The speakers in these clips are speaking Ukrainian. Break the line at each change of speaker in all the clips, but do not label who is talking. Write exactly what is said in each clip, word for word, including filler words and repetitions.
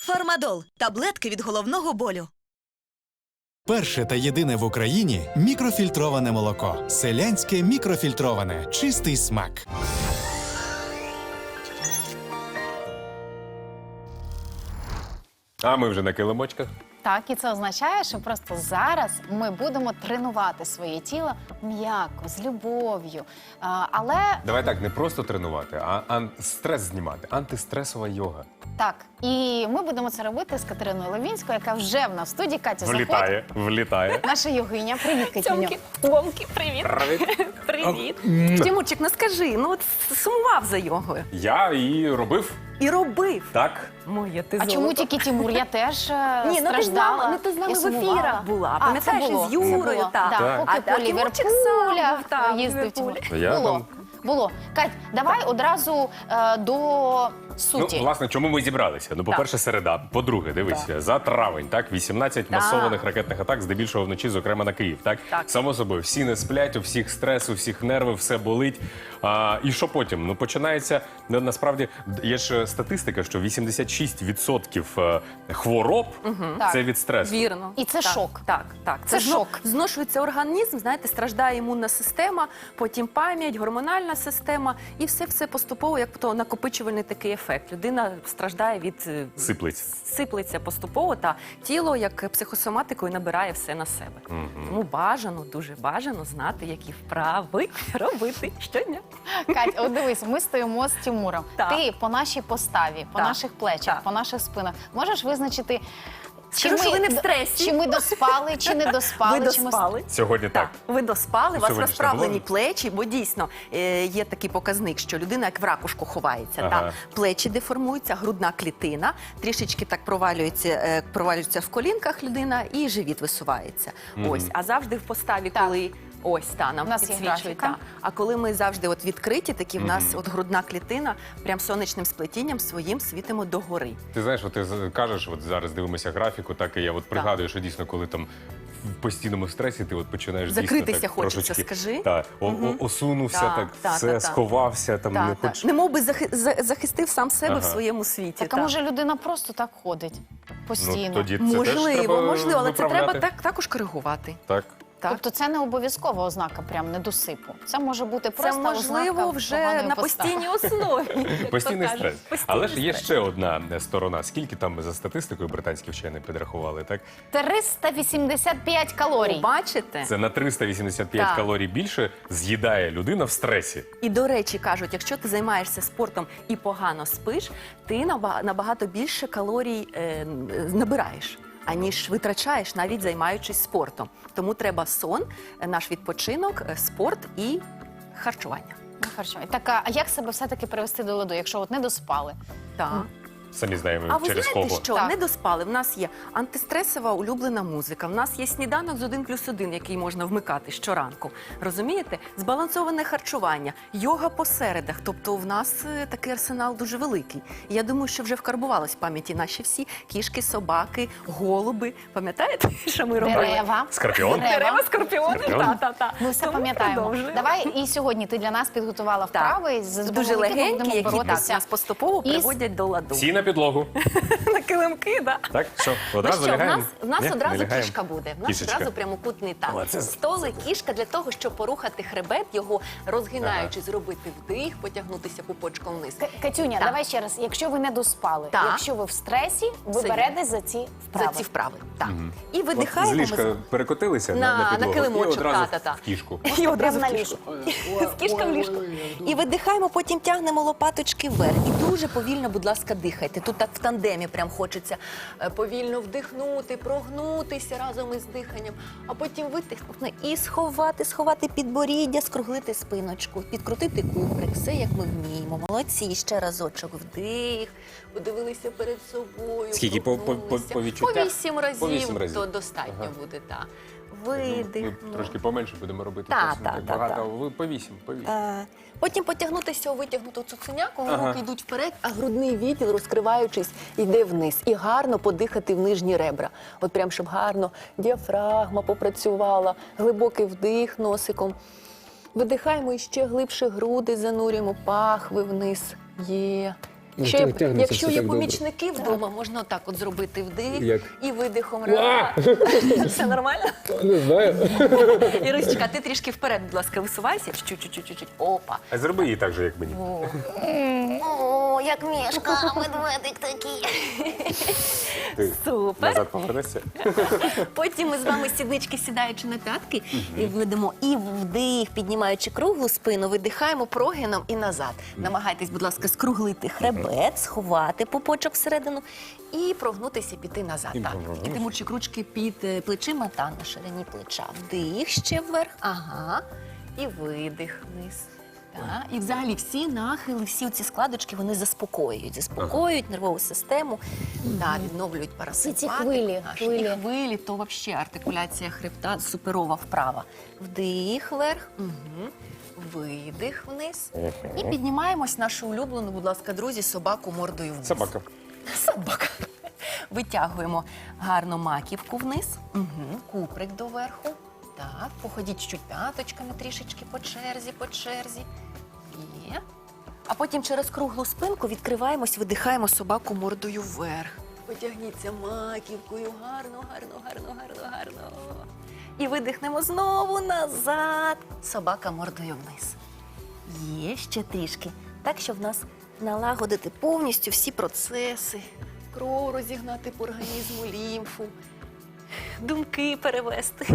Фармадол – таблетки від головного болю.
Перше та єдине в Україні мікрофільтроване молоко. Селянське мікрофільтроване. Чистий смак.
А ми вже на килимочках.
Так, і це означає, що просто зараз ми будемо тренувати своє тіло м'яко, з любов'ю. А, але
Давай так, не просто тренувати, а ан- стрес знімати. Антистресова йога.
так, і ми будемо це робити з Катериною Левінською, яка вже в нас в студії. Катя, заходь.
Влітає, влітає.
Наша йогиня. Привіт, Катюню.
Тьомки, Томки, привіт.
Привіт.
Привіт. Тимурчик, ну скажи, ну от сумував за йогою.
Я її робив
І робив.
так.
Моє ти
А чому тільки Тимур? Я теж е,
Ні, ну ти з
страждала.
нами, ну, ти з нами
і
в
сумувала.
ефірах була,
А,
пам'ятаєш,
це було,
з Юрою,
це було.
так.
Да,
Так.
поки
А, а
по
Тимурчик сам
Ліверпулях
був, так,
їздив.
Ліверпуль.
Тимур.
Я
Було.
там-
Було. Кать, давай одразу е, до суті.
Ну, власне, чому ми зібралися? Ну, по-перше, середа. По-друге, дивися, за травень, так, вісімнадцять масованих ракетних атак, здебільшого вночі, зокрема на Київ, так?
Так.
Само собою, всі не сплять, у всіх стрес, у всіх нерви, все болить. А, і що потім? Ну, починається, ну, насправді, є ж статистика, що вісімдесят шість відсотків е, хвороб – це від стресу.
Вірно.
І це
Так,
шок.
Так, так.
Це
зно-
шок.
Зношується організм, знаєте, страждає імунна система, потім пам'ять, гормональна система, і все-все поступово, як то накопичувальний такий ефект. Людина страждає від... е,
Сиплеться.
Сиплеться поступово, та тіло, як психосоматикою, набирає все на себе. Тому бажано, дуже бажано знати, які вправи робити щодня.
Кать, от дивись, ми стоїмо з Тимуром.
Так.
Ти по нашій поставі, по
Так.
наших плечах,
Так.
по наших спинах можеш визначити,
Скажу, що ви не в стресі.
чи ми доспали, чи не доспали.
Ви
чи ми...
доспали.
Сьогодні так.
Так, ви доспали, у вас
Сьогодні ж
розправлені
не було?
плечі, бо дійсно е, є такий показник, що людина як в ракушку ховається.
Ага.
Та? Плечі деформуються, грудна клітина, трішечки так провалюється, е, провалюється в колінках людина і живіт висувається. Ось, а завжди в поставі,
Так.
коли... Ось, та, нам
У нас є
підсвічують.
графіка.
Та. А коли ми завжди от відкриті, такі в нас от грудна клітина, прям сонячним сплетінням своїм світимо догори.
Ти знаєш, от ти з- кажеш, от зараз дивимося графіку, так і я от пригадую, що дійсно, коли там в постійному стресі, ти от починаєш
Закритися
дійсно, так,
хочеться,
трошечки,
скажи.
Так, о- о- осунувся,
Так,
так,
так,
все,
так, так.
сховався, там не
Так,
хоч...
так. Немов би захи- за- захистив сам себе
Ага.
в своєму світі.
Так, а
та.
може людина просто так ходить постійно?
Ну, тоді це теж
Можливо,
треба
можливо, але це
виправляти.
треба так, також коригувати.
Так.
Так.
Тобто це не обов'язкова ознака прям недосипу. Це може бути
Це
просто
можливо
ознака
вже
поганої
на
постави.
постійній основі. як то
Постійний
кажуть.
стрес.
Постійний
Але ж є
стрес.
ще одна сторона. Скільки там за статистикою британські вчені підрахували, так?
триста вісімдесят п'ять калорій.
Бачите?
Це на триста вісімдесят п'ять
Так.
калорій більше з'їдає людина в стресі.
І, до речі, кажуть, якщо ти займаєшся спортом і погано спиш, ти наба- набагато більше калорій е, н- набираєш, аніж витрачаєш, навіть займаючись спортом. Тому треба сон, е, наш відпочинок, е, спорт і харчування.
Ну, харчування. Так, а як себе все-таки привести до ладу, якщо от не доспали?
Так.
Самі знаємо,
А ви
через
знаєте,
кого.
що
Так.
не доспали? В нас є антистресова улюблена музика. В нас є сніданок з один плюс один, який можна вмикати щоранку. Розумієте? Збалансоване харчування, йога по середах. Тобто в нас е, такий арсенал дуже великий. І я думаю, що вже вкарбувалось в пам'яті наші всі кішки, собаки, голуби. Пам'ятаєте, що ми робили?
Дерева.
Скорпіон?
Дерева.
скорпіони.
Скорпіон?
Та-та-та.
Ми все
Тому
пам'ятаємо.
продовжуємо.
Давай і сьогодні ти для нас підготувала вправи, за
Дуже
допомогою яких ми
легенькі,
будемо
які так,
боротися.
нас поступово
із-
приводять до ладу.
Всі на підлогу.
На килимки, да.
Так, що,
Ну
одразу
що, в
лягаємо?
нас, в нас
Ні, не
одразу
лягаємо?
кішка буде. В нас
Кішечка.
одразу прямокутний танк.
О, це-
Столи, кішка для того, щоб порухати хребет, його розгинаючи, зробити вдих, потягнутися пупочком вниз.
К- Катюня,
Так.
давай ще раз. Якщо ви не доспали,
Так.
якщо ви в стресі, ви
Це
берете за ці
За
вправи.
ці вправи. Так. І
От
видихаємо.
з
ми
ліжка перекотилися на,
На-
на
на
підлогу
килимочок,
і одразу
та-та-та.
в кішку.
І одразу
Прямо
в
на
кішку.
ліжку.
З кішка в ліжку. І видихаємо, потім тягнемо лопаточки вверх. І дуже повільно, будь ласка, дихайте. Тут так в тандемі прям хочеться е, повільно вдихнути, прогнутися разом із диханням, а потім витихнути і сховати, сховати підборіддя, скруглити спиночку, підкрутити куприк. Все, як ми вміємо. Молодці. Ще разочок вдих, подивилися перед собою.
Скільки? По- по- по-
прогнулися.
по відчуттях?
По вісім разів,
По вісім разів.
то достатньо
Ага.
буде, так.
Ми
Видих.
трошки поменше будемо робити.
Та,
просто не
та,
так
та,
багато.
та.
Ви по вісім, по вісім.
Е, Потім потягнутися у витягнуту цуценяку,
Ага.
руки йдуть вперед, а грудний відділ, розкриваючись, йде вниз. І гарно подихати в нижні ребра. От прям, щоб гарно діафрагма попрацювала, глибокий вдих носиком. Видихаємо і ще глибше груди занурюємо, пахви вниз. Є. Якщо, є-
тягнеться
якщо
все
є
так добре.
помічники вдома, можна отак от зробити вдих
Як?
і видихом.
А!
Раз. Все нормально?
Не знаю.
Ірусечка, ти трішки вперед, будь ласка, висувайся. Чуть-чуть-чуть. Опа.
А зроби її так же, як мені.
О, О, як мішка, медведик такий.
Ти
Супер.
назад повернешся.
Потім ми з вами сіднички сідаючи на п'ятки і ведемо і вдих, піднімаючи круглу спину, видихаємо прогином і назад. Намагайтесь, будь ласка, скруглити хребет, сховати пупочок всередину і прогнутися, піти назад.
І
Так.
прогнути.
І тимурчик ручки під е, плечима та на ширині плеча. Вдих ще вверх, ага, і видих вниз. Так. І взагалі всі нахили, всі ці складочки, вони заспокоюють, заспокоюють нервову систему, да, відновлюють парасимпатику.
Ці хвилі,
наш.
хвилі.
І хвилі, то взагалі артикуляція хребта суперова вправа. Вдих вверх, угу. Видих вниз. І піднімаємось нашу улюблену, будь ласка, друзі, собаку мордою вниз.
Собака.
Собака. Витягуємо гарно маківку вниз, угу. Куприк доверху. Так, походіть чуть п'яточками трішечки по черзі, по черзі. Є. А потім через круглу спинку відкриваємось, видихаємо собаку мордою вверх. Потягніться маківкою, гарно, гарно, гарно, гарно, гарно. І видихнемо знову назад. Собака мордою вниз. Є ще трішки. Так, щоб в нас налагодити повністю всі процеси. Кров розігнати по організму, лімфу. Думки перевести.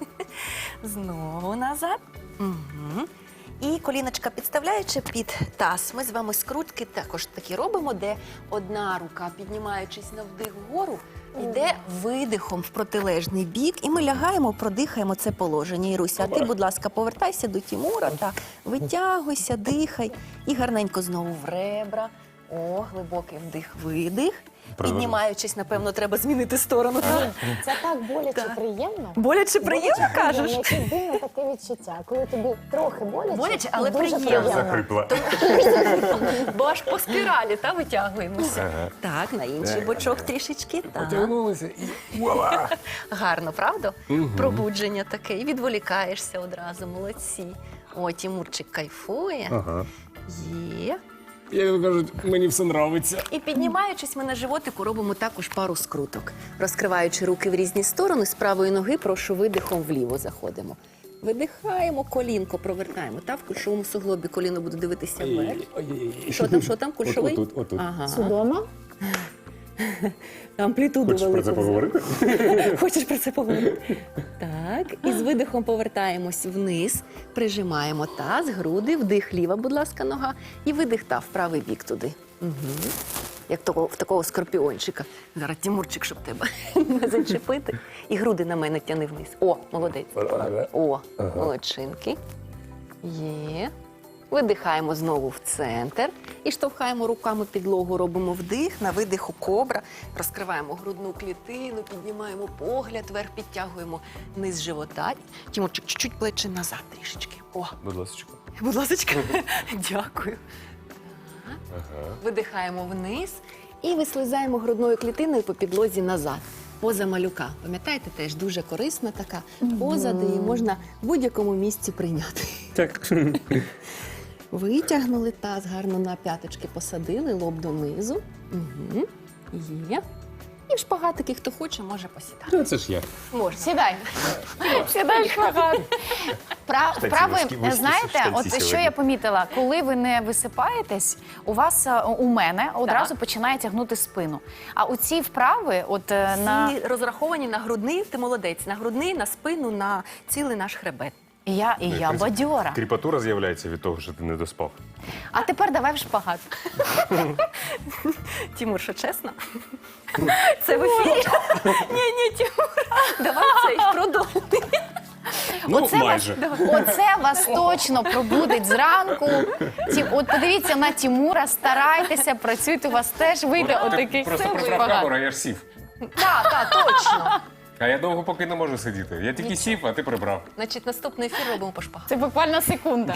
Знову назад. Угу. І коліночка підставляючи під таз. Ми з вами скрутки також такі робимо, де одна рука, піднімаючись на вдих вгору, йде видихом в протилежний бік. І ми лягаємо, продихаємо це положення. Іруся, а ти, будь ласка, повертайся до Тімура та витягуйся, дихай. І гарненько знову в ребра. О, глибокий вдих-видих. Піднімаючись, напевно, треба змінити сторону. Так?
Це так боляче
Так.
приємно.
Боляче приємно, кажеш?
Якесь дивне таке відчуття, коли тобі трохи боляче,
Боляче,
і
але
дуже
приємно.
Захрипла.
Бо аж по спіралі, та, витягуємося.
Ага.
Так, на інший бочок трішечки. Так.
Потягнулися і вуаля!
Гарно, правда? Пробудження таке. І відволікаєшся одразу, молодці. О, Тімурчик кайфує.
Ага.
Є.
Як кажуть, мені все нравиться.
І піднімаючись, ми на животику робимо також пару скруток. Розкриваючи руки в різні сторони, з правої ноги, прошу, видихом вліво заходимо. Видихаємо, колінко провертаємо. Та в кульшовому суглобі коліно буде дивитися вверх.
Ой-ой-ой.
Що там, що там, кульшовий?
Отут, отут.
Ага.
Судома.
Амплітуду
Хочеш про це
велику
поговорити?
взяти. Хочеш про це поговорити? Так, і з видихом повертаємось вниз, прижимаємо таз, груди, вдих ліва, будь ласка, нога, і видих та в правий бік туди. Угу. Як того, в такого скорпіончика. Зараз, Тімурчик, щоб тебе не зачепити. І груди на мене тяни вниз. О, молодець. О, молодчинки. Є. Видихаємо знову в центр і штовхаємо руками підлогу, робимо вдих, на видиху кобра, розкриваємо грудну клітину, піднімаємо погляд вверх, підтягуємо низ живота. Тімурчик, чуть-чуть плечі назад трішечки. О,
Будь ласка.
будь ласка, дякую.
Ага.
Видихаємо вниз і вислизаємо грудною клітиною по підлозі назад. Поза малюка. Пам'ятаєте, теж дуже корисна така поза, де її можна в будь-якому місці прийняти.
Так.
Витягнули таз, гарно на п'яточки посадили, лоб донизу. Угу. Є. І в шпагатики, хто хоче, може посідати.
Ну, це ж я.
Можна.
Сідай. Сідай в шпагат. Пра-
Штанці
Вправи,
вузькі, вузькі
знаєте,
штанці
от що
сьогодні.
я помітила, коли ви не висипаєтесь, у вас, е, у мене, одразу
Так.
починає тягнути спину. А у ці вправи, от е, на...
Всі розраховані на грудний, ти молодець, на грудний, на спину, на цілий наш хребет.
І я, і я бадьора.
Кріпатура з'являється від того, що ти не доспав.
А тепер давай в шпагат.
Тімур, що чесно? Це в ефірі? Ні, ні, Тімур, давай цей продовжуй.
Ну,
Оце
майже.
Вас, оце вас точно пробудить зранку. Ті, от подивіться на Тімура, старайтеся, працюйте, у вас теж вийде отакий
Ти просто прибрав камеру, а я ж сів.
Так, так, точно.
А я довго поки не можу сидіти. Я тільки сів, а ти прибрав.
Значить, наступний ефір робимо по шпагату.
Це буквально секунда.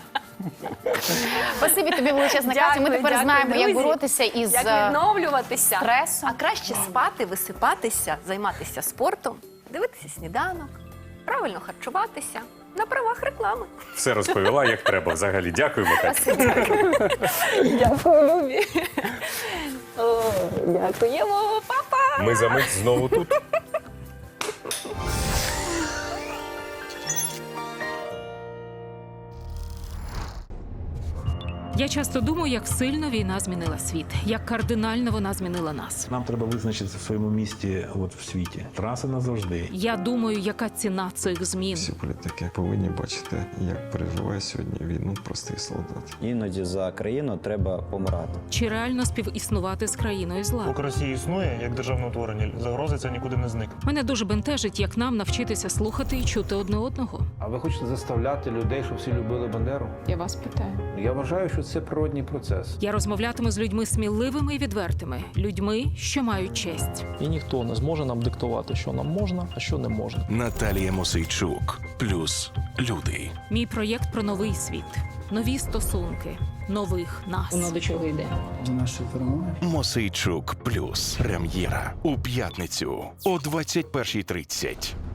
Спасибі тобі величезна,
Дякую,
Катя. Ми тепер
дякую,
знаємо, як
друзі.
боротися із
Як
е,
відновлюватися.
стресом.
А краще спати, висипатися, займатися спортом, дивитися сніданок, правильно харчуватися На правах реклами.
Все розповіла, як треба взагалі. Дякуємо, Катя.
Дякую, Любі. О, дякуємо, папа.
Ми за мить знову тут.
Я часто думаю, як сильно війна змінила світ, як кардинально вона змінила нас.
Нам треба визначитися в своєму місті от в світі. Траса назавжди.
Я думаю, яка ціна цих змін.
Всі політики повинні бачити, як переживає сьогодні війну простий солдат.
Іноді за країну треба помирати.
Чи реально співіснувати з країною зла?
Поки Росія існує як державне утворення, загрози це нікуди не зникне.
Мене дуже бентежить, як нам навчитися слухати і чути одне одного.
А ви хочете заставляти людей, щоб всі любили Бандеру?
Я вас питаю.
Я вважаю, що це природній процес.
Я розмовлятиму з людьми сміливими і відвертими, людьми, що мають честь.
І ніхто не зможе нам диктувати, що нам можна, а що не можна.
Наталія Мосейчук. Плюс люди.
Мій проєкт про новий світ, нові стосунки, нових нас.
Воно до чого йде?
Мосейчук. Плюс. Прем'єра. У п'ятницю о двадцять першій тридцять.